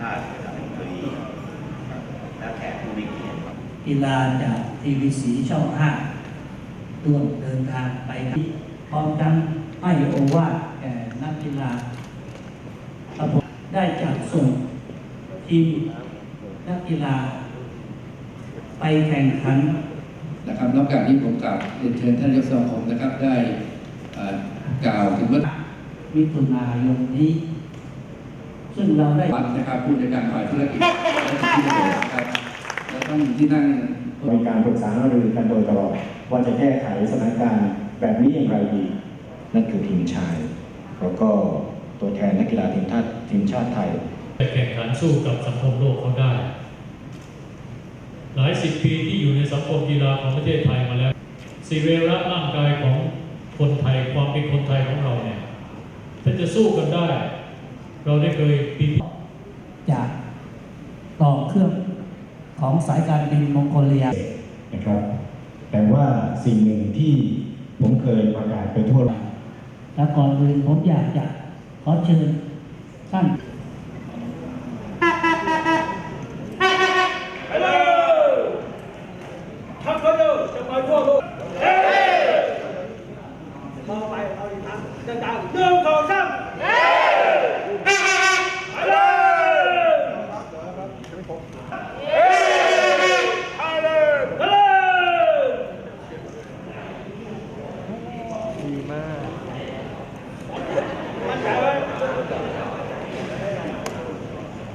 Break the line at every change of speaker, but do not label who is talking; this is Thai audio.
าติรัฐมนตรีและแขกผู้มีเกียรติ
กีฬาจากทีวีสีช่อง5ร่วมเดินทางไปที่พร้อมทั้งให้โอวาทแก่นักกีฬาระบบได้จัดส่งทีมนักกีฬาไปแข่งขัน
นะครับนอกจากนี้ผมกล่าวเรียนเชิญท่านนายกสมาคมนะครับได้กล่าวถึงว่า
มิถุนายนนี้ซึ่งเราได้
นะครับผู้จัดการฝ่ายธุรกิจและที่ดินนะครับและท่านที่นั่ง
มีการปรึกษาหารือกันโดยตลอดว่าจะแก้ไขสถานการณ์แบบนี้อย่างไรดีนั่นคือทีมชายแล้วก็ตัวแทนนักกีฬาทีมชาติไทย
แข่งขันสู้กับสังคมโลกเขาได้หลายสิบปีที่อยู่ในสังคมกีฬาของประเทศไทยมาแล้วสิเวระร่างกายของคนไทยความเป็นคนไทยของเราเนี่ยถ้าจะสู้กันได้เราได้เคยปี
จากต่อเครื่องของสายการบินมองโกเลีย
นะครับแต่ว่าสิ่งหนึ่งที่ผมเคยประกาศไปทั่วโลก
และก่อนอื่นผมอยากจะขอเชิญท่าน